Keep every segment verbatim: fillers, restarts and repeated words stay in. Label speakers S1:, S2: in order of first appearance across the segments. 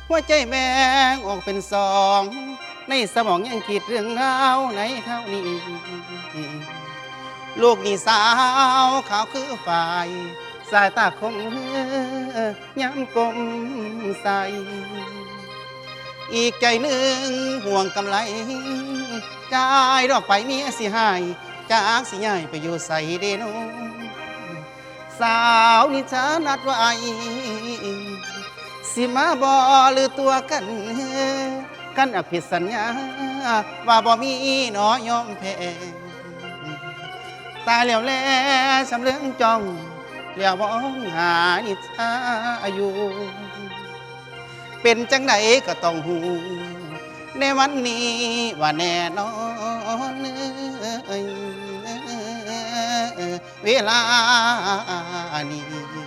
S1: หัวใจแบ่งออกเป็นสองในสมองยังคิดเรื่องราวในเท่านี้ลูกนี่สาวขาวคือฝ่ายสายตาคมย้ำกลมใสอีกใจหนึ่งห่วงกำไรกายดอกไปเมียสิหายจากสิใหญ่ไปอยู่ใส่เดโนสาวนิชานัดไว้สิมาบอหรือตัวกันกันอภิสัญญาว่าบ่มีหนอยอมแพ้ตายแล้วแลสำเรื่องจ้องเลี้ยวมองหานิชาอยู่เป็นจังไหนก็ต้องหูในวันนี้ว่าแน่นอนเวลานี้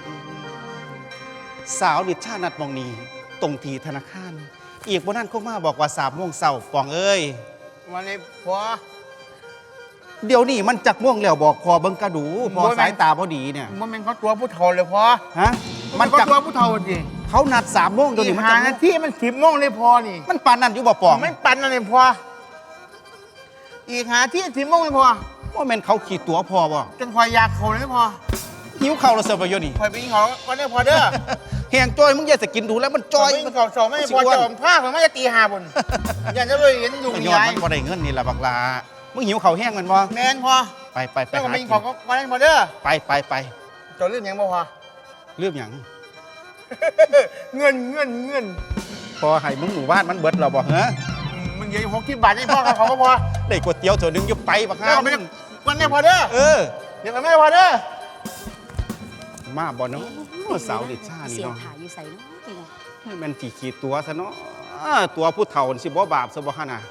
S1: สาวนิชานัดมองนี้ตรงทีธนาคารอีกบนนั้นเขามาบอกว่าสามโมงเช้าปองเอ้ย
S2: วันนี้พอ
S1: เดี๋ยวนี้มันจักม่วงแล้วบอกพอเบิ่งกระดูพอสายตาพอดีเนี่ย
S2: มันเป็นเขาตัวผู้เฒ่าเลยพอ
S1: ฮะ
S2: มันจักตัวผู้เฒ่าจริง
S1: เขานัดสามโมงเดี๋ยวนี้มัน
S2: หานาทีมันสิบโมงเลยพอนี่
S1: มันปานนั่นอยู่บ่ปอง
S2: ไม่ปันนั่นเลยพออีกหาที่สิบโมงเลยพอ
S1: ว่าแม่นเขาขี่ตัวพอบ่
S2: จนพอยากเขาเลยพอ
S1: หิวเข่าเราเสิร์ฟไปอยู่นี่
S2: พอไปกินเขาวันนี้พอเด้อ
S1: แหงจอยมึงอย่าสกินดูแล้วมันจอย
S2: มันเขาสองไม่พอจะอมผ้าผมไม่จะตีหาบนอยากจะไปเห็นอยู่
S1: ยอดมันพอได้เงินนี่แหละบักลามึงหิวเข่าแห้งมันบ่
S2: แมนพอ
S1: ไปไปไป
S2: หากินเขาก็วันนี้พอเด้อ
S1: ไปไปไป
S2: จอดเรื่องยังบ่พอ
S1: เรื่องยัง
S2: เงินเงินเงิน
S1: พอให้มึงหมู่บ้านมันเบิดเราบ่เหรอ
S2: มึงเยอะหกสิบบาทให้พ่อเขาก็พอ
S1: ได้ก๋วยเตี๋ยวตัวนึงยุบไปบักห้า
S2: วันนี้พอเด้อ
S1: เออ
S2: เดี๋ยวไม่พอเด้อ
S1: มาบ่เนาะสาวดิชานี่เนาะ
S3: เสียถ่ายอยู่ใส่เนาะ
S1: ให้มันจีขีดตัวซะเนาะตัวผู้เฒ่าสิบ่บาปซะบ่ฮะน่ะ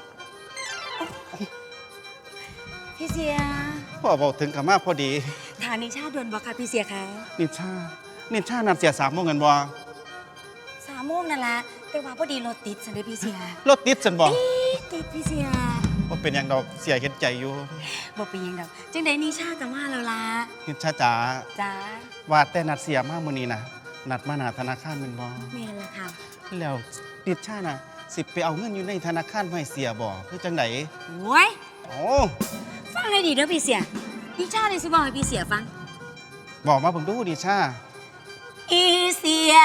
S3: พี่เสีย
S1: พ่อบอกถึงกับมาพอดี
S3: ฐานนิชาด่วนบ่ค่ะพี่เสียคะ
S1: นิชานิชานัดเสียสามโมงเงินบ่
S3: สามโมงนั่นละแต่ว่าพอดีรถติดสันเดพี่เสีย
S1: รถติดสันบ่
S3: ติดพี่เสีย
S1: ว่าเป็นอย่างดอกเสียเห็นใจอยู่
S3: บ่เป็นอย่างดอกจังใดนิชากับมาแล้วล่ะ
S1: นิชาจ๋า
S3: จ๋า
S1: ว่าแต่นัดเสียมากมื้อนี้น่ะนัดมาหน้าธนาคารแม่นบ่
S3: แม่นล่ะค่ะ
S1: แล้วนิชาน่ะสิไปเอาเงินอยู่ในธนาคารให้เสียบ่คือจังได๋
S3: โอ้ย
S1: โอ้
S3: ฟังให้ดีเด้อพี่เสียนิชาเลยสิบอกให้พี่เสียฟัง
S1: บอกมาเบิ่งดูนิชา
S3: อีเสีย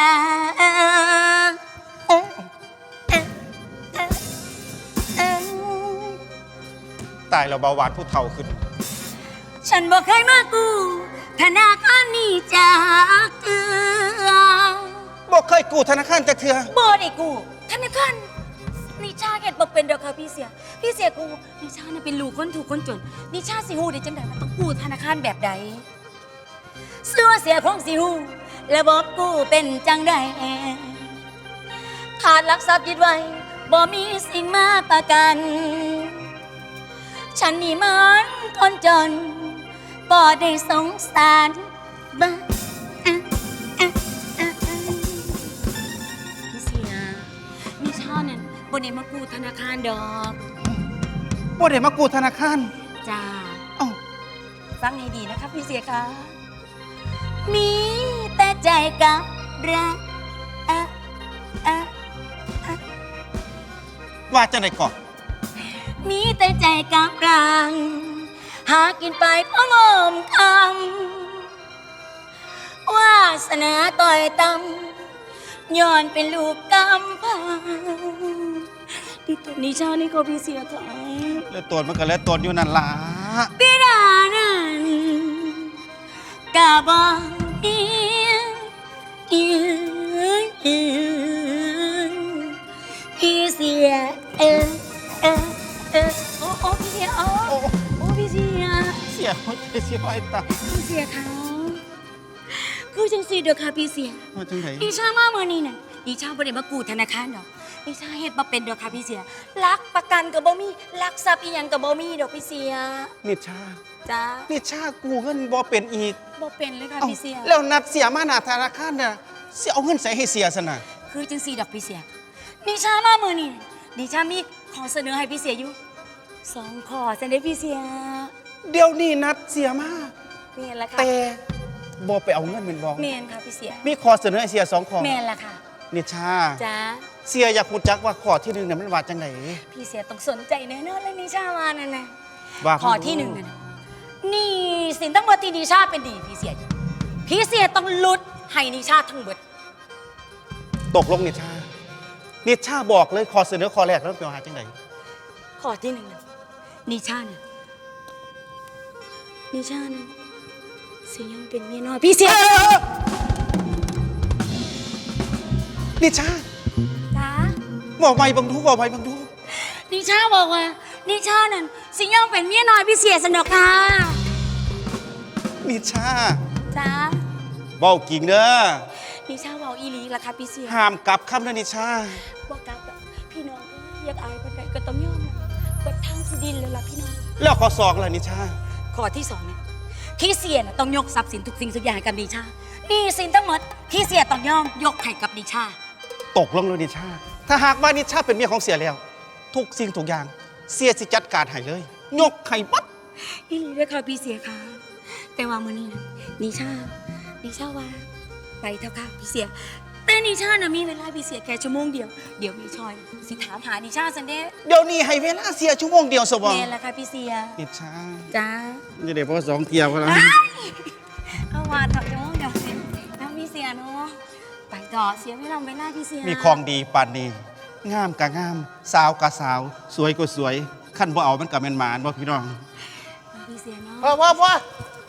S1: ตายแล้วเบาหวานผู้เฒ่าขึ้น
S3: ฉันบอกเคยมากูธนาคารนี่จากเถื่อ
S1: บอกเคยกู้ธนาคารจากเถื่อ
S3: บ่ได้กูธนาคารนิชาเก็ดบอกเป็นดอกค่ะพี่เสียพี่เสียกูนิชาเนี่ยเป็นลูกคนถูกคนจนนิชาสิฮู้ได้จังได๋มันต้องกู้ธนาคารแบบใดเสื้อเสียของสิฮู้ระบบกู้เป็นจังได๋ขาดหลักทรัพย์ยึดไว้บ่มีสิ่งมาประกันฉันนี่มันคนจนบ่ได้สงสารบ้าพี่เสียนิชาเนี่ยบ่ได้มากู้ธนาคารดอก
S1: บ่ได้มากู้ธนาคาร
S3: จ้า
S1: เอ้า
S3: ฟังให้ดีนะครับพี่เสียคะมีแต่ใจกับรักอะอะอะ
S1: ว่าจะไหนก่อน
S3: มีแต่ใจกับรังหากินไปเพราะงอมคำวาสนาต่อยตำย้อนเป็นลูกกำพังดิตัวนิชานี่ก็พี่เสียค่ะ
S1: แล้วตัวมันก็แล้วตัวอยู่นั่นล่ะ
S3: พี่ดานั้นกะบอกอีอีพี่เสียเออเออเออโอ้โอ้พี่เสียโอ้โอ้พี่เสีย
S1: เสียหัวใจเสียไอ้ตา
S3: พี่เสียเขาคือจังสีเด้อค่ะพี่เสีย
S1: ว่าจังได๋
S3: ดิฉันมาเมื่อนี้น่ะดิฉันบ่ได้มากู้ธนาคารดอกดิฉันเฮ็ดบ่เป็นดอกค่ะพี่เสียลักประกันก็บ่มีลักทรัพย์อีหยังก็บ่มีดอกพี่เสีย
S1: นิชา
S3: จ้า
S1: นิชากู้เงินบ่เป็นอีก
S3: บ่เป็นเลยค่ะพี่เสีย
S1: แล้วนัดเสียมาหน้าธนาคารน่ะสิเอาเงินใส่ให้เสียซั่นน่ะ
S3: คือจังสีดอกพี่เสียดิฉันมาเมื่อนี้ดิฉันมีขอเสนอให้พี่เสียอยู่สองขอซั่นเด้พี่เสีย
S1: เดี๋ยวนี้นัดเสียมา
S3: แม่นล่ะค่ะ
S1: แต่บ่ไปเอาเงินแม่นบ่
S3: แม่นค่ะพี่เสีย
S1: มีขอเสนอให้เสียสองข้อ
S3: แม่นล่ะค่ะ
S1: นิชา
S3: จ้า
S1: เสียอยากรู้จักว่าข้อที่หนึ่งเนี่ยมันว่าจังไหน
S3: พี่เสียต้องสนใจแน่นอนเลยนิชามานั่นนะ
S1: ว่า
S3: ข้อที่หนึ่งน่ะนี่สินทั้งหมดที่นิชาเป็นดีพี่เสียพี่เสียต้องลุดให้นิชาทั้งหมด
S1: ตกลงนิชานิชาบอกเลยข้อเสนอข้อแรกแล้วเป็นว่าจังไหน
S3: ข้อที่หนึ่งนะนิชาเนี่ยนิชาเนี่ยสิยังเป็นเมียน้อยพี่เสีย
S1: นิชา
S3: จ้า
S1: บอกไปบังทุกบอกไปบังทุก
S3: นิชาบอกว่านิชานั่นสิยังเป็นเมียน้อยพี่เสียสนอกค่ะ
S1: นิชา
S3: จ้า
S1: เบากิ่งเด้อ
S3: นิชาบอกอีหลีละค่ะพี่เสีย
S1: ห้ามกลับคำเด้อนิชา
S3: บอกกับพี่น้องเอ้ยอยากอายปันใดก็ต้องยอมกดทางสิดินเลยล่ะพี่น้อง
S1: แล้วข้อสองล่ะนิชา
S3: ข้อที่สองเนี่ยพี่เสียน่ะต้องยกทรัพย์สินทุกสิ่งทุกอย่างให้กับนิชาหนี่สินทั้งหมดพี่เสียต้องยอมยกให้กับนิชา
S1: ตกลงเลยนิชา ถ้าหากว่านิชาเป็นเมียของเสียแล้ว ทุกสิ่งทุกอย่างเสียสิจัดการให้เลย ยกให้ปั๊บ
S3: อีหลีด้วยค่ะพี่เสียค่ะแต่ว่ามื้อนี้นะนิชานิชาว่าไปเถอะค่ะพี่เสียแต่นิชาน่ะมีเวลาพี่เสียแค่ชั่วโมงเดียวเดี๋ยวมีชอยสิถามหานิชาซันเด้
S1: เดี๋ยวนี้ให้เวลาเสียชั่วโมงเดียวสบอง
S3: แม่ละค่ะพี่เสีย
S1: นิชา
S3: จ้า
S1: จะได้พอสองเทียบกันแล้ว
S3: เอาว่าเถอะชั่วโมงเดียวสิแล้วพี่เสียเนาะไปต่อเสียไม่ลองเวลาพี่เสีย
S1: มีของดีปานนี้งามกะงาม สาวกะสาว สวยก็สวยขั้นบ่เอามันกะแม่นหมานบ่พี่น้อง
S3: พี่เสียเนาะ
S2: พ่อพ่อพ่อ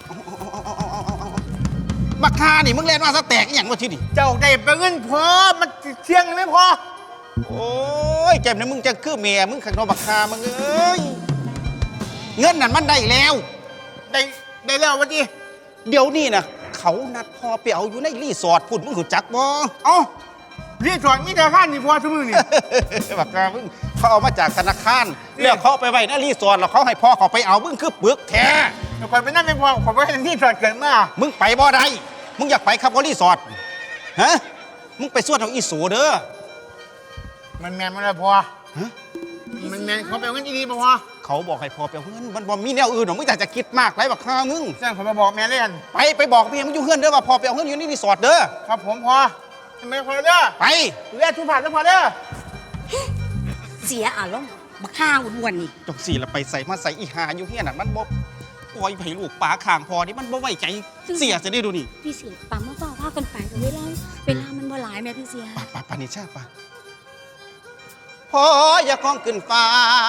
S1: บักคานี่มึงเล่นมาซะแตกอหย่างว่าที่นี่
S2: เจ้าได้ไปเงินพอมันเที่ยงเลยไหมพอ
S1: โอ้ยแกมเนี่ยมึงจะคือเมียมึงขังนอบักคามึงเอ้ยเงินนั่นมันได้แล้ว
S2: ได้ได้แล้ววันนี้
S1: เดี๋ยวนี้นะเขานัดพอไปเอาอยู่ในรีสอร์ทพุ่นมึงหูจักบ่
S2: เอ้าเรียกสอนมิตรข้านนี่พอทุกมือนี่
S1: บักคามึงเขาเอามาจากธนาคารแล้วเขาเอาไปไว้ในรีสอร์ทแล้วเขาให้พ่อเขาไปเอามึงคือปึกแท้
S2: แต่ก่อนไปนั่นไม่พอขอไปเห็นที่สอนเกิดมา
S1: มึงไปบ่ได้มึงอยากไปครับว่ารีสอร์ทฮะมึงไปสวดเอาอีสูเด้อ
S2: มันแมนมันเลยพอ
S1: ฮะ
S2: มันแมนเขาไปเอาเงินดีๆมาพอ
S1: เขาบอกให้พ่อไปเอาเงินมันบ่มีแนวอื่นหรอกมึงอยากจะคิดมากไรบักคามึง
S2: สร้างเขามาบอกแม่เล่น
S1: ไปไปบอกพี่มึงอยู่เฮือนเด้อว่าพ่อไปเอาเงินอยู่ในรีสอร์ทเด้อ
S2: ครับผมพอทำไมพอเด้อ
S1: ไป
S2: เรียกทุกผ่านแล้วพอเด้อ
S3: เสียอารมณ์บักข้าวอ้วนๆนี่
S1: จงสี่ละไปใส่มาใส่อีหาอยู่เฮียน่ะมันบ่ปล่อยให้ลูกป๋าข้างพอนี่มันบ่ไว้ใจเสียจะได้ดูนี่
S3: พี่เสียปั๊มมาเฝ้าพากันไปแต่เวลาเวลามันบ่หลายแม่พี่เสีย
S1: ปะปะปะนิชาปะพออย่าคล้องขึ้นฟ้า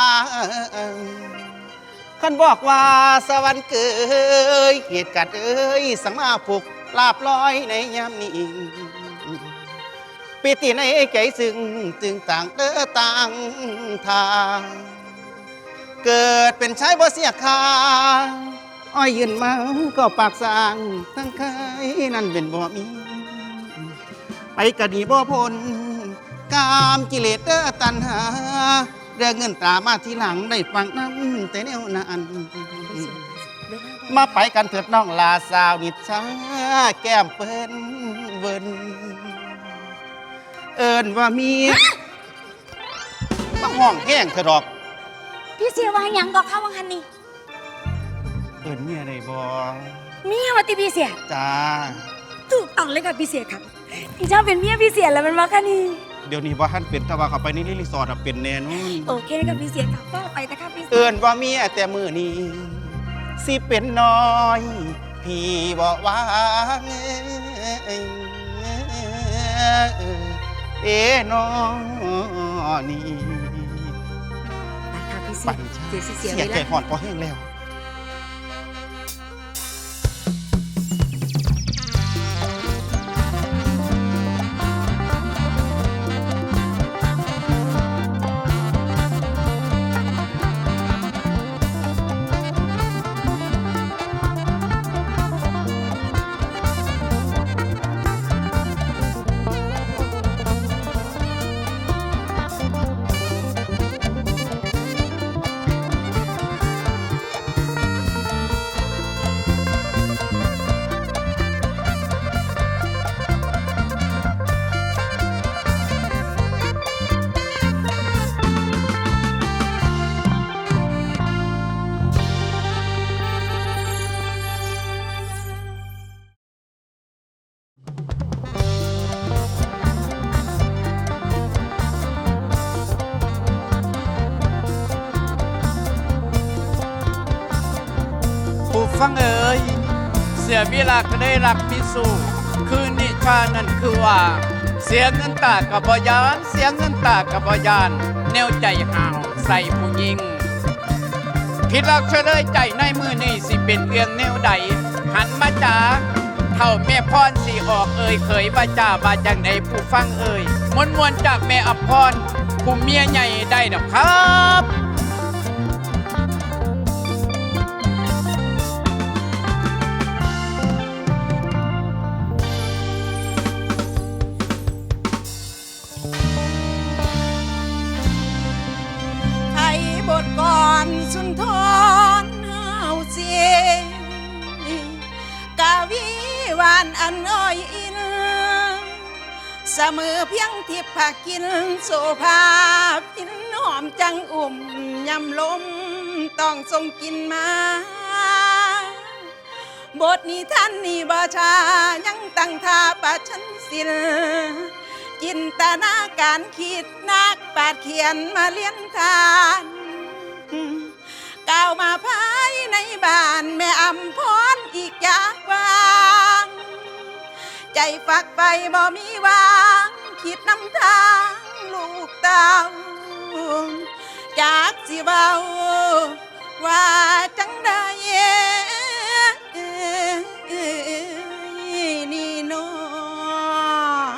S1: คันบอกว่าสวรรค์เกยเหตุการณ์เอ้ยสังมาผูกลาบลอยในยามนี้ปิติในใจซึ่งจึงต่างเด้อต่างทางเกิดเป็นชายบ่เสียค่าอ้อยยืนมาก็ปากสร้างทั้งเคยนั่นเป็นบ่มี ไปกะดีบ่พ้นกามกิเลสเด้อตัณหาเรื่องเงินตรามาทีหลังได้ฟังน้ำแต่แนวนั้น
S3: เวลาบ่
S1: มาไปกันเถิดน้องลาสาวนิดช้าแก้มเปิ้นเวินเอิญว่ามีมาห้องแห้งเถอะดอก
S3: พี่เสียว่าหยังก็เข้าวังหันนี่
S1: เอิญเมียได้บ่
S3: เมียว่าติพี่เสีย
S1: จ้า
S3: ถูกต้องเลยค่ะพี่เสียครับพี่เจ้าเป็นเมียพี่เสียแล้วมันมาค่ะนี่
S1: เดี๋ยวนี้ว่าท่านเป็นถ้าว่าเขาไปนี่รีสอร์ทอะเป็นแน่นอน
S3: โอเคค่ะพี่เสียครับก็ไปแต่ค่ะพี่เสีย
S1: เอินว่าเมียแต่มือนี้สิเป็นน้อย พี่บอกว่าเอ๋น้องนี่
S3: ไปค่ะพี่เสี
S1: ปั
S3: ย
S1: นชา
S3: เสียสิเสีย
S1: เสีย
S3: เว
S1: ใจ
S3: ลา
S1: ห่อนพอแห้งแล้ว
S4: ฟังเอ๋ยเสียเวลาก็ได้รักพิสูคือนิชานั่นคือว่า เสียเงินตากับบยาน เสียเงินตากับบยาน แนวใจห่าวใส่ผู้หญิงผิดหลักเฉลยใจในมือนี่สิเป็นเรื่องแนวใด หันมาจ้าเท่าแม่พรสีออกเอ่ยเคยว่าจ้าว่าจังใดผู้ฟังเอ่ยมวนมวนๆจากแม่อภรผู้เมียใหญ่ได้ดอกครับ
S2: ไทยบทก่อนสุนทรเฮาเสียงกาวีหวานอันอ้อยอินเสมอเพียงทิพย์ผักกินโซภาพินหอมจังอุ่มยำลมต้องทรงกินมา บทนี้ท่านนี่บาชายังตั้งท่าประชันศิลจินตนาการคิดนักปราดเขียนมาเลี้ยนทานก้าวมาภายในบ้านแม่อำพรอีกอย่างวางใจฝักไปบ่มีวางคิดนำทางลูกเต้าจากสิเบาว่าจังได้นี่น้อง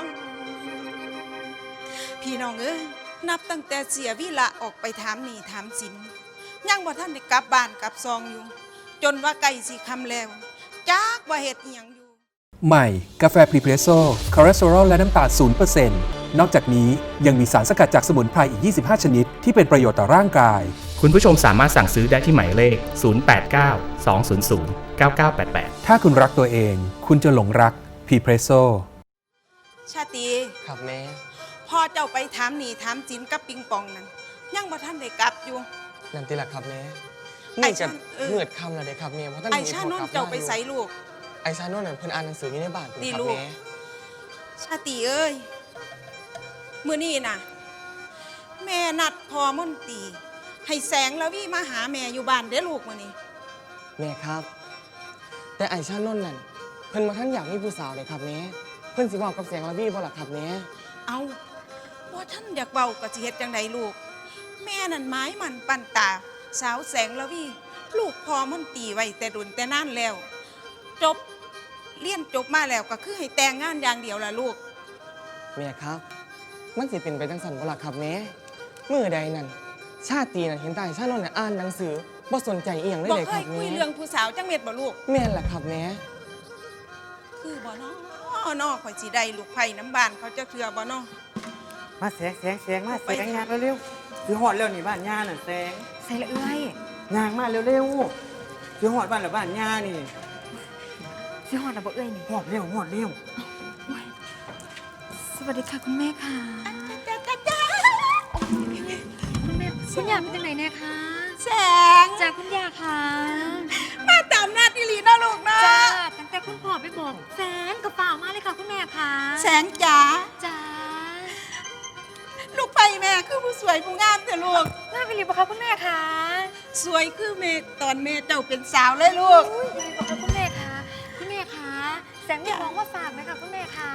S2: พี่น้องเอ้ยนับตั้งแต่เสียวิละออกไปถามหนี้ถามสินยังบ่ท่านได้กลับบ้านกลับซองอยู่ จนว่าไก่สิคำแล้วจากว่าเหตุอีหยังอยู่
S5: ใหม่ กาแฟพรีเพรสโซ่คอเลสเตอรอลและน้ำตาล ศูนย์เปอร์เซ็นต์ นอกจากนี้ยังมีสารสกัดจากสมุนไพรอีก ยี่สิบห้า ชนิด ที่เป็นประโยชน์ต่อร่างกาย
S6: คุณผู้ชมสามารถสั่งซื้อได้ที่หมายเลข ศูนย์ แปด เก้า สอง ศูนย์ ศูนย์ เก้า เก้า แปด แปด
S5: ถ้าคุณรักตัวเอง คุณจะหลงรักพรีเพรสโซ่
S2: ชาติ
S7: ครับแม่
S2: พ่อเจ้าไปถามหนี้ถามสินกับปิงปองนั้นยังบ่ท่านได้กลับอยู่
S7: นั่นติล่ะครับแม่
S2: ไอ้
S7: นี่จะ
S2: ชาเออ
S7: เหือดคำแล้วเด้ครับแม่เพราะท่าน
S2: ไอ้
S7: มี
S2: ชา
S7: พ่
S2: โน
S7: อน กลับ
S2: เจ้า
S7: มา
S2: ไป
S7: อยู่
S2: ใส่ลูก
S7: ไอ้ชาโน่นน่ะเพิ่นอ่านหนังสืออยู่ในบ้านเพิ่น
S2: ดี
S7: ครับ
S2: ลูก
S7: แม่
S2: ชาติเอ้ยมื้อนี้น่ะ แม่นัดพ่อมนตรีให้แสงละวีมาหาแม่อยู่บ้านเด้อลูกมื้อนี้
S7: แม่ครับ แต่ไอ้ชาโน่นนั่นเพิ่นมาท่านอยากมีผู้สาวเลยครับแม่เพิ่นสิบอกกับแสงละวีบ่ล่ะครับแม่
S2: เอาว่าท่านอยากเบาก็สิเฮ็ดจังไดลูก แม่นั่นไม้มันปั่นตา สาวแสงละวีลูกพ่อมนตรีไว้แต่ดุนแต่นานแล้ว จบเรียนจบมาแล้วก็คือให้แต่งงานอย่างเดียวล่ะลูก
S7: แม่ครับ มันสิเป็นไปจังซั่นบ่ล่ะครับแม่มื้อใดนั่นชาตินั่นเห็นแต่ไอ้ชาโน่นน่ะอ่านหนังสือบ่สนใจอีหยังเลย
S2: บอก
S7: เลย
S2: เค
S7: ครั
S2: ย
S7: บ
S2: คุ
S7: แม่
S2: ยเรื่องผู้สาวจังเม็ดบ่ลูก
S7: แม่นล่ะครับแม่
S2: คือบ่เนาะนอข่อยสิได้ลูกไผ่น้ำบานเขาจะเทือบ่เนาะ
S8: มาแสงแสงแสงมาแสงยางเร็วๆคือหอดเร็วนี่บ้านย่าน่ะแสง
S3: ใส่ละเอ้ย
S8: ยางมาเร็วๆคือหอดบ้านหรือบ้านย่านี่
S3: สิฮอดนะบ่เอ้ยนี่
S8: หอดเร็วหอดเร็ว
S3: สวัสดีค่ะคุณแม่ค่ะ
S2: จ้าจ้าจ้า
S3: คุณแม่คุณยาเป็นจังไหนแน่คะ
S2: แสง
S3: จ้าคุณยาค่ะ
S2: มาตามนัดอีหลีเนาะลูกเนาะ
S3: จ้าตั้งแต่คุณพ่อไปบอกแฟนกระเป๋ามาเลยค่ะคุณแม่ค่ะ
S2: แสงจ๋า
S3: จ้า
S2: ลูกไผ่แม่คือผู้สวยผู้งามแต่ลูก
S3: น่าไปรีบบอกค่ะคุณแม่ค่ะ
S2: สวยคือแม่ตอนแม่เจ้าเป็นสาวเลยลูก
S3: อุ้ยรีบบอกค่ะคุณแม่ค่ะคุณแม่ค่ะแสงมีของมาฝากไหมคะคุณแม่ค่ะ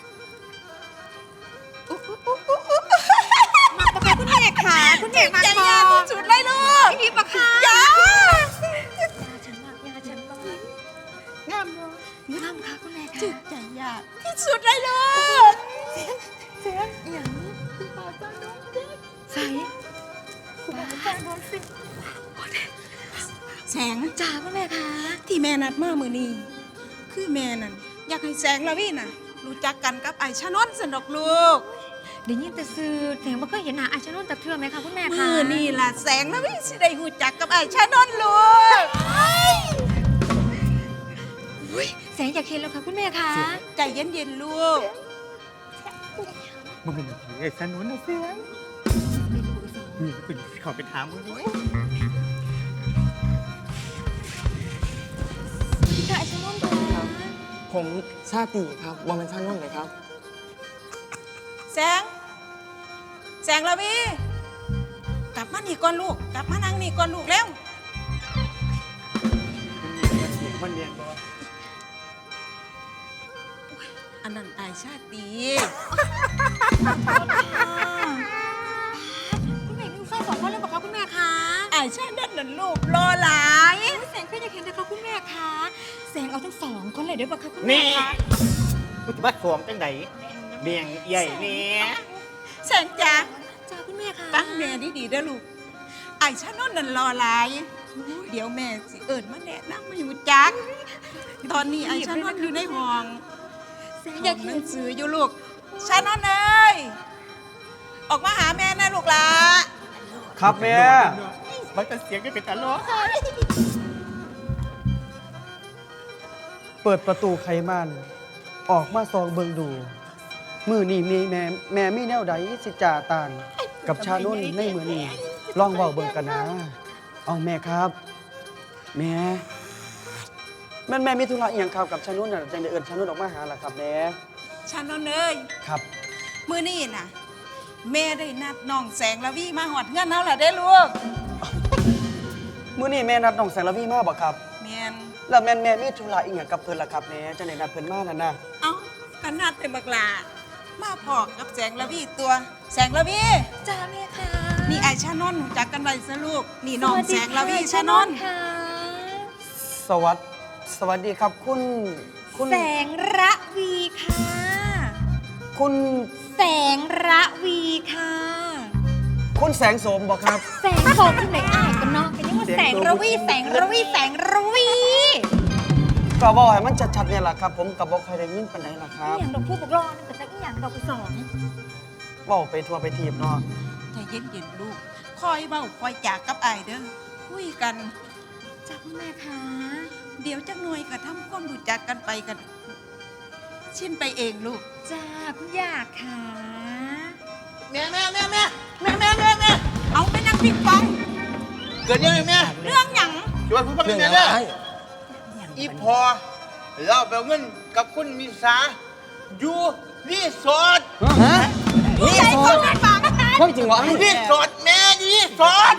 S3: มาบอกค่ะคุณแม่ค่ะคุณแม่มา
S2: ใจ
S3: บ
S2: ยา
S3: อ
S2: ที่
S3: ก
S2: สุดเลยลูก
S3: รีบบอกค่ะ
S2: จ้าย
S3: าฉันมากยาฉันมาก
S2: งามเนาะ
S3: งามค่ะคุณแม่ค่ะ
S2: จุดใจยาที่สุดเลยลูก
S3: เสียงอย่างนี้คุณป้าจ้าน้องเด็กใส่คุณป้าจ้าน้องสิ
S2: แสง
S3: จ้าคุณแม่ค่ะ
S2: ที่แม่นัดมามือนี้คือแม่นั่นอยากให้แสงละวีน่ะ รู้จักกันกับไอ้ชะนนสนดอกลูก
S3: เดี๋ยวยินแต่ซื้อแสงบ่เคยเห็นหน้าไอชาโนนจากเทือไหมคะคุณแม่คะ
S2: มือนี่ล่ะแสงละวีสิได้รู้จักกับไอ้ชะนนลูก
S3: อุ๊ยแสงอยากเห็นแล้วค่ะคุณแม่คะ
S2: ใจเย็นๆลูก
S8: มันเป็นไอ้สนุนนะเสียงนี่คุณขอไปถามมึงด้วย
S3: ค่ะไอชาโนนค่ะ
S7: ผมชาติครับบ่แม่นชาโน่นเลยครับ
S2: แสง แสงละวีกลับมานี่ก่อนลูก กลับมานั่งนี่ก่อนลูกแล้ว
S8: เมันเนียนบ่
S2: อันนั้นอายชาติ
S3: คุณแม่มีแฟนสองคนเลยบอกคะคุณแม่คะ
S2: อายชาตินั่นน่ะลูกรอหลาย
S3: แสงก็อยากเห็นนะคะคุณแม่คะแสงเอาทั้งสองคนเลยเดี๋ยวบอกคะคุณแม่
S8: นี่
S3: คะ
S8: กูจะมาสวมจังไดเบียงใหญ่เนี่ย
S2: แสงจ๋า
S3: จ้าคุณแม่คะ
S2: ตั้งแม่ดีๆเด้อลูกอายชาตินั่นน่ะรอหลายเดี๋ยวแม่สิเอิญมาแนะนำมาอยู่จักตอนนี้อายชาตินั่นอยู่ในห้อง
S3: แสง
S2: อ
S3: อยาย
S2: าก ก
S3: เห็
S2: เห็
S3: น
S2: นสื่ออยู่ลูกชาตินั่นเอ้ยออกมาหาแม่นะลูกหลา
S7: ครับแม่
S8: มันจะเสียงก็เป็นตลก
S9: เปิดประตูไขมันออกมาซองเบิงดู มือนี่มีแม่แม่มีแนวใดสิจ่าตานกับชานุ่นในมือนี่ลองเบาเบิงกันนะ เอาแม่ครับ แม่แม่นแม่มีธุระอหย่างครับกับชานุ่นน่ะจังได้เอิ้นชานุ่นออกมาหาล่ะครับแม่
S2: ชาตินั่นเอ้ย
S9: ครับ
S2: มื้อนี้น่ะ แม่ได้นัดน้องแสงละวี่มาหอดเงื่อนเฮาล่ะได้อลูก
S9: มื้อนี้แม่นัดน้องแสงระวีมาบ่ครับ
S2: แม่น
S9: แล้วแม่นแม่มีธุระอีหยังกับเพิ่นล่ะครับแม่จังได้นัดเพิ่นมานั่นน่ะ
S2: เอ้ากันนัดเป็นบักหลามาพอกับแสงละวี่ตัว แสงละวี่
S3: จ้าแม่คะ
S2: นี่ไอชานนท์รู้จักกันไว้ซะลูกนี่น้องแสงละวี่ชานนท์
S3: ค่ะ
S9: สวัสดสวัสดีครับคุณคุณ
S3: แสงระวีค่ะ
S9: คุณ
S3: แสงระวีค่ะ
S9: คุณแสงโสมบ่ครับ
S3: แสงโสมที่ไหนอ่านกันเนาะกันยังว่าแสงระวีแสงระวีแสงระวี
S9: ก็บอกให้มันชัดๆเนี่ยแหละครับ ผมกับบอกใครได้ยินปานใดล่ะค
S3: อี
S9: รับ
S3: หยังดอกพูดบอกรอนึงแต่อีหยังดอกไปสอง
S9: บอกไปทัวร์ไปทีบเนาะ
S2: ใจเย็นๆลูกคอยเบ้าคอยจากกับไอายเด้อคุยกัน
S3: จ้าคุณแม่คะ
S2: เดี๋ยวจักหน่วยก็ทำความรู้จักกันไปกัน ชินไปเองลูก
S3: จ้าคุณอยากค่ะ
S8: แม่แม่แม่แม่แม่แม่แม่แม่
S2: เอาไปนั่งปิงปอง
S8: เกิดยังไงแม่
S2: เรื่องหยัง
S8: ช่วยพูดบ้าง
S7: เรื่อง
S8: แม่
S7: อะไร
S8: เด้ออีพอเราไปเอาเงินกับคุณมิสาอยู่รีสอร์ท
S7: ฮะนี่
S2: ใจ
S7: ส
S2: ค
S7: อน ด
S2: ไม่ฟัง
S7: ความจริงวะ
S8: รีสอร์ทแม่รีสอร์ท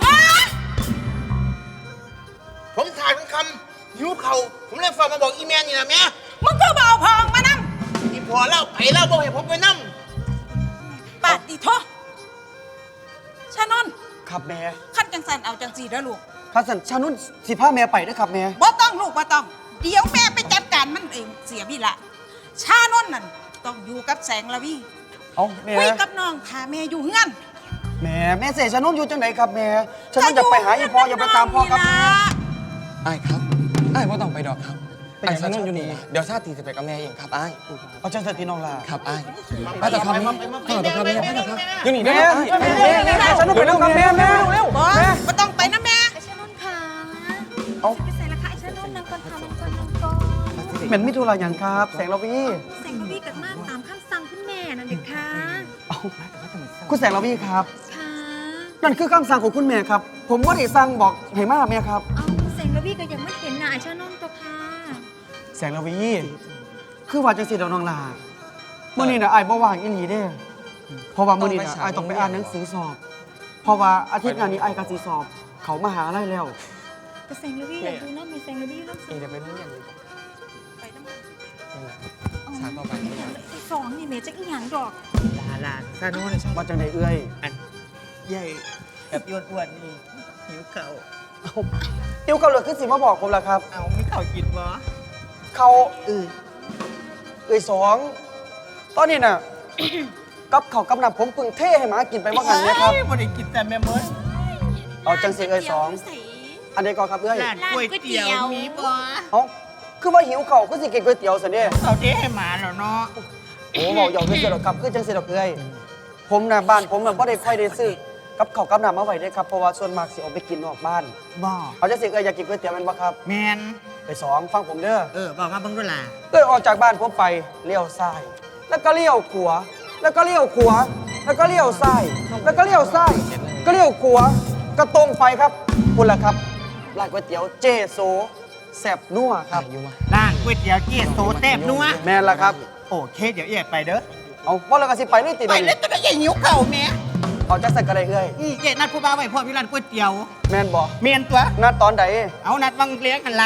S8: ผมถ่ายเป็นคำหิวเขาผมเลยฝากมาบอกอีแม่นี่นะแม่
S2: มึงก็เบาพองมานั่ง
S8: อีพอเล่าไปเล่าบอกให้ผมไปนั่ง
S2: ปาดดิโทชานนท์
S9: ครับแม่
S2: ขั้นจังสันเอาจังสีเด้อลูก
S9: ครับสันชานุ่นสิพาแม่ไปนะครับแม่
S2: บ่ต้องลูกบ่ต้อง เดี๋ยวแม่ไปจัดการมันเองเสียพี่ละชานนท์นั่นต้องอยู่กับแสงละวี่
S9: เอาแม่
S2: คุยกับน้องพาแม่อยู่เงื่อน
S9: แม่แม่เสยชานุ่นอยู่จังไหนครับแม่ชานุ่นอยากไปหาอีพ่ออยากไปตามพ่อครับแม่
S7: ไอ้ายครับไอ้ายว่าต้องไปดอกครับ
S9: ไปไหน
S7: ไอ้ายฉันนั่นอยู่นี่
S9: ครับ
S7: เดี๋ยวชาติจะไปกับแม่เองครับไอ้าย
S9: เอาจังสันพี่น้องล่ะ
S7: ครับไอ้ายไปต่อครับแม่ไปต่อครับแม่ไปต่อครับอยู่นี่
S9: แม่
S7: เด้อ
S9: แม่
S7: ไอ้าย
S9: แม่แม่แม่ชานุ่นไปแล้วครับแม่แม่เร็ว
S2: บ่
S9: แม่
S2: บ่ต้องไปนะแม่
S3: ไอชานนท์ค่ะ
S9: เอา
S3: ไปใส่ละค่ะไอชานนท์นางก่อนค่ะนางก่อนนางก่อน
S9: เหม็นมิถุระหยังครับ แสงระวี
S3: แสงระวีกับมาตามคำสั่งคุณแม่นั่นเด็กค่ะ
S9: เอาคุณแสงระวีครับ
S3: ค่ะ
S9: นั่นคือคำสั่งของคุณแม่ครับ ผมว่าได้สั่งบอกให้มาแม่ครับ
S3: เอาแสงระวีก็ยังไม่เห็นนะไอชานนท์ตัวค่ะ
S9: แสงระวี คือว่าจังสิเดอกน้องลาเมื่อนี้นะไอ้ายบ่ว่างอีหลีเด้ เพราะว่ามื้อนี้นะไอ้ายต้องไปอ่านหนังสือสอบ เพราะว่าอาทิตย์หน้านี้ไอ้ายก็สิสอบ เขามาหาลัยแล้ว
S3: แต่แสงระวีอยากดูน้ำมีแสงระวีน้ำ
S7: เองจะไปโรงเรียนดีกว่า
S2: ไปน้ำมัน
S7: ชาติต่อไปนี่ครับ
S3: สองนี่เมจะอีหยังดอก
S8: ลาลาซาโน่น
S9: ว่าจังไดเอื้อย
S8: ใหญ่แบบยวนอ้วนนี่หิวเข่า
S9: เอาติวเขาเลยคือสิมาบอกผมล่ะครับ
S8: เอาไม่เข่ากินวะ
S9: เขาเอ้ยเอ้ยสอง ตอนนี้น่ะ กับเขาวกับน้ำผมเพึ่งเทให้หมากินไปว่างันเนี่ยครับ
S8: บ่ได้กินแต่แม่มด
S9: เอาจังสิเอ้ยสอง อันใดก่อนครับเอ้ย
S8: ร้านก๋วยเตี๋ยวมีบ่
S9: เอาคือว่าหิวเขาวคือสิกินก๋วยเตี๋ยวสิเนี่ย
S8: เขาเทให้หมาแล้วเนาะ
S9: โอ้บอกหยอกคือเสียดอกครับคือจังเสียดอกเอ้ยผมน่ะบ้านผมน่ะบ่ได้ค่อยได้ซื้อกับข้าวกับน้ำมาไว้เด้ครับเพราะว่าส่วนมากสิออกไปกินนอกบ้าน
S8: บ่
S9: เอาจังสิเอ้ยอยากกินก๋วยเตี๋ยวแมันบ่ครับ
S8: แมน
S9: ไปสองฟังผมเด้อ
S8: เออบอกมาเบิ่งด้วยล่ะ
S9: เอ้ยออกจากบ้านผมไปเลี้ยวซ้าย แล้วก็เลี้ยวขวาแล้วก็เลี้ยวขวาแล้วก็เลี้ยวซ้ายแล้วก็เลี้ยวซ้ายก็เลี้ยวขวาก็ตรงไปครับคุณล่ะครับร้านก๋วยเตี๋ยวเจโซแซ่บนัวครับ
S7: อยู่มา
S8: ร้านก๋วยเตี๋ยวเจี๊ยโซแซ่บนัว
S9: แม่นล่ะครับ
S8: โอเคเดี๋ยวเอียดไปเด้อ
S9: เอาว่าเราก็สิไปนี่ติด
S8: ไปแล้วจะได้ยังหิวเข่าแม่
S9: เอาจักสักกระไดเอ้ย
S8: อืมเจ๊นัดผู้บ่าวไว้พ่อพี่ร้านก๋วยเตี๋ยว
S9: แม่นบ่
S8: เมียนตัว
S9: นัดตอนใด
S8: เอานัดวังเลี้ยงกันละ
S9: เอา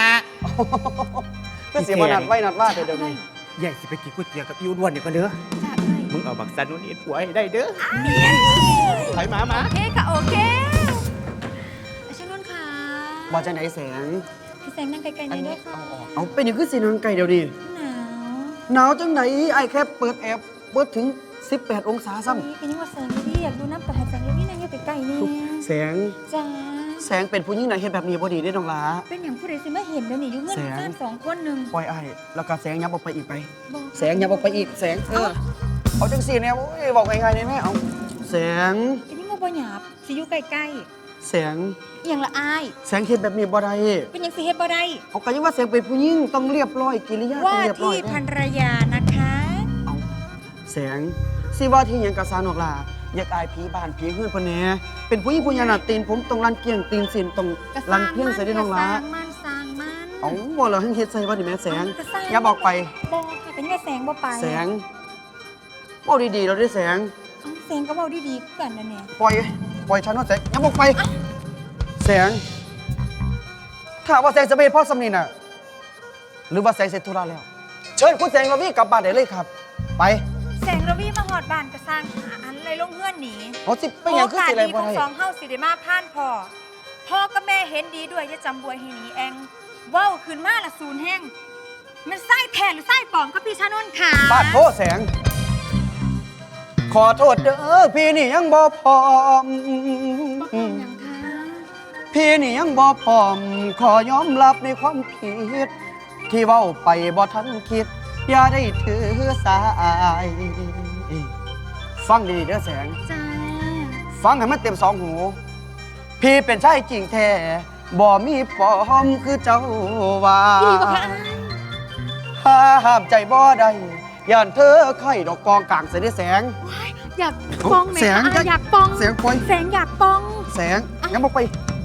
S9: ก็เสียมานัดไว้นัดว่าแต่เดี๋ยวนี้
S8: ใหญ่สิไปกินก๋วยเตี๋ยวกับอีอ้วนๆเดี๋ยวก็เด้อ
S3: จ้าเอ้ย
S8: มึงเอาบักซันนุ่นอีผัวให้ได้เด้อไปมามา
S3: โอเคค่ะโอเคไอ้ชนุ่นค่ะ
S9: ว่าจังไหนแสง
S3: พี่แสงนั่งไกลๆหน่อยด้วยค่ะ
S9: เอาเป็นอย่างคือสีนางไก่เดี๋ยวนี้
S3: หนาว
S9: หนาวจังไหนไอ้แค่เปิดแอร์เปิดถึงสิบแปดองศาซ้
S3: นี่เป็นยังว่าแสงอยู่ดิอยากดูน้ำกับแสงอยู่นี่นางอยู่ใกล้ๆนี่
S9: ำแสง
S3: จ้า
S9: แสงเป็นผู้หญิงไหนะเห็นแบบนี้บ่ดีได้น้องหลา
S3: เป็นอย่างผู้ใดสิมาเห็นเดี๋ยวนี้อยู่เงื่อน
S9: แสง
S3: ข้างสองคนหนึ่ง
S9: ปล่อยไอ้แล้วก็แสงยับออกไปอีกไป
S3: บอก
S9: แสงยับออกไปอีกแสงเออเอาจังสี่เนี่ยโอ้ยบอกง่ายๆได้ไหมเอาแสง
S3: เป็นยังว่าบ่หยาบสิอยู่ใกล้
S9: แสง
S3: ๆอหย่างละอาย
S9: แสงเห็นแบบนี้บ่ได้
S3: เป็นอย่างสิเฮ็ดบ่ได้
S9: เอาก็ยังว่าแสงเป็นผู้หญิงต้องเรียบร้อยกิริยาต้อ
S3: ว่าง
S9: เรียบร้อ
S3: ที่
S9: ย
S3: ภร
S9: นะ
S3: รยานะคะ
S9: เอาแสงสิว่าที่หยังกะสานอกลาอยากอายผีบ้านผีเฮือนเพิ่นแหน่เป็นผู้หญิงผู้หญิงน่ะตีนผมต้องรันเกียงตีนสินต้องรันเพียงใส่ได้น้องหลา
S3: สร้างมันสร้างมัน
S9: เอาบ่เราให้เฮ็ดใส่ว่าดิแม่แสง
S3: จะสร้าง
S9: อย่าบอกไป
S3: บอกค่ะเป็นยังไงแสงบ่ไป
S9: แสงบอกดีๆเราได้แสง
S3: เอ้าแสงก็เว้าดีๆคือกันนะเนี่ย
S9: ปล่อย ปล่อยฉันว่าแสงอย่าบอกไป แสง ถ้าว่าแสงจะไม่ให้พ่อสำนีน่ะ หรือว่าแสงเสร็จธุระแล้ว เชิญคุณแสงระวีกลับบ้านได้เลยครับ ไป
S3: แสงระวีมาหอดบ้านก็สร้างหาอันเลยลงเฮือนหนี
S9: เอาสิไปหยังคือสิอะไร
S3: โอกาสดี
S9: บ่
S3: ของ
S9: ได้
S3: สองเฮาสิได้มาพ่านพ่อพ่อกับแม่เห็นดีด้วยจะจำบวยให้หนีแองเว้าขึ้นมาละศูนย์แห้งมันไส้แทนหรือไส้ปลอมครับพี่ชานนท์ค่ะ
S9: ปาดโทษแสง ขอโทษเด้อพี่นี่ยังบ่พร้อม
S3: บ่เป็นหยังคะ
S9: พี่นี่ยังบ่พร้อม ขอยอมรับในความผิด ที่เว้าไปบ่ทันคิด อย่าได้ถือสาย ฟังดีๆเด้อแสง
S3: จ้า
S9: ฟังให้มันเต็มสองหู พี่เป็นชายจริงแท้บ่มีปลอมคือเจ้าว่า
S3: พี่บอกค่ะอาย
S9: ห้ามใจบ่ได้ย่านเธอไข่ดอกกองกลางเสียได้แสง
S3: ว้ายอยากปองไหม
S9: แสง
S3: คะอายอยากปอง
S9: แสงปล่อย
S3: แสงอยากปอง
S9: แสงยังบอกไป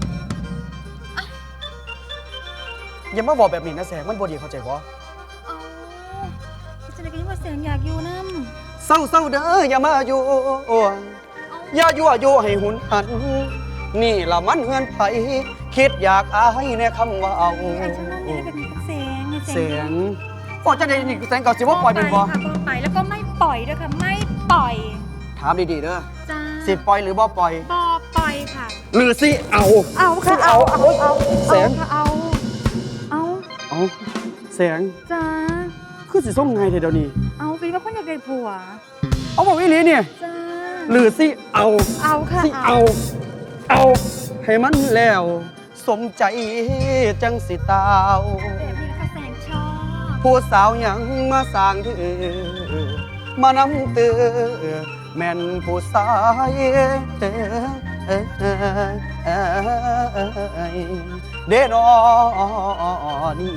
S9: อย่ามาบอกแบบนี้นะแสงมันบ่ดีเข้าใจบ่
S3: เอาพี่จะได้กินว่าแสงอยากอยู่น้
S9: เศร้าเศร้าๆเด้ออย่ามาอยู่อย่ายั่วยุให้หุนหัน นี่ละมันเฮือนไผคิดอยากอายในคำว่าเอา
S3: ำไอ้ฉันนั่นนี่แบบนี้กับแสงไอ้
S9: แสงก็จะได้นี่แสงเก่าสิว่าปล่อยเป็นบ่
S3: ค่ะปล่อยไปแล้วก็ไม่ปล่อยด้วยค่ะไม่ปล่อย
S9: ถามดีๆเด้อ
S3: จ้า
S9: สิปล่อยหรือบ่ปล่อย
S3: บอปล่อยค่ะ
S9: หรือสิเอา
S3: เอาค่ะ
S9: สิเอาเอาเอาแสง
S3: ค่ะเอาเอา
S9: เอาแสง
S3: จ้า
S9: คือสิส่งไงเดี๋ยวนี้
S3: เอาคิดว่าคนอยากได้ผัว
S9: เอาบอกวิลีเนี่ย
S3: จ้า
S9: หรือสิเอา
S3: เอาค่ะ
S9: สิเอา เอาให้มันแล้ว สมใจจังสิตาว
S3: แบบนี้นะคะแสงชอบ
S9: ผู้สาวยังมาสร้างเธอมานำเตือแม่นผู้สายเด้นอนี่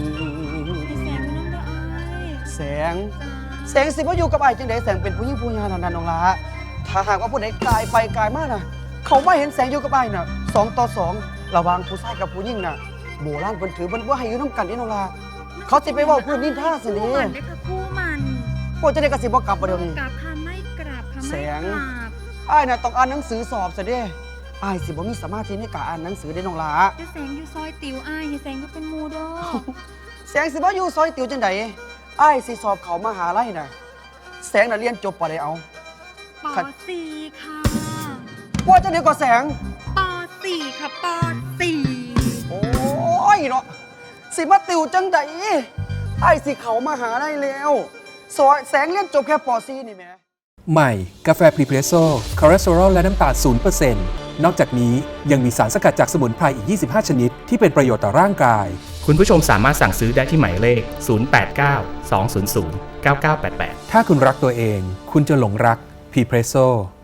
S3: พี่แสงอยู่น้ำเด้อไอ้
S9: แสง แสงสิว่าอยู่กับไอ้ายจังไดแสงเป็นผู้หญิงผู้งานนันน้องละถ้าหากว่าผู้ใดกลายไปกลายมาน่ะ เขาไม่เห็นแสงอยู่กับไอ้ายน่ะสองต่อสองระหว่างผู้ชายกับผู้หญิงน่ะโบราณเพิ่นถือเพิ่นว่าให้อยู่น้ำกันนี่น้องละเขาสิไปเว้าพื้นนินท่าสิ
S3: คู่
S9: นี่
S3: มันได้ค่ะคู่มัน
S9: โอ้จะได้กระสิบ่กลับบ่เดี๋ยวนี้
S3: กราบค่ะไม่กราบค่ะ
S9: แส
S3: ไม่
S9: ง
S3: กราบ
S9: อ้ายน่ะต้องอ่านหนังสือสอบซะเด้อ้ายสิบ่มีสมาธิในการอ่านหนังสือได้น้องละ
S3: จะแสงอยู่ซอยติ๋วอ้ายอย่าแสงก็เป็นหมูเด้อ
S9: แสงสิบ่อยู่ซอยติ๋วจังไดอ้ายสิสอบเขามหาลัยน่ะแสงน่ะเรียนจบปอใดเอา
S3: ปอสี่ค่ะ
S9: ว่าจะเดียวก็แสง
S3: ปอสี่ค่ะปอสี่
S9: โอ้ยเนาะสิมาติวจังไดไอ้สิเขามาหาได้แล้วสอยแสงเรียนจบแค่ปอซีนี่แหม่
S5: ใหม่ กาแฟพรีเพรสโซ่คอเลสเตอรอลและน้ำตาล ศูนย์เปอร์เซ็นต์ นอกจากนี้ยังมีสารสกัดจากสมุนไพรอีก ยี่สิบห้า ชนิด ที่เป็นประโยชน์ต่อร่างกาย
S6: คุณผู้ชมสามารถสั่งซื้อได้ที่หมายเลข ศูนย์ แปด เก้า สอง ศูนย์ ศูนย์ เก้า เก้า แปด แปด
S5: ถ้าคุณรักตัวเอง คุณจะหลงรักพรีเพรสโซ่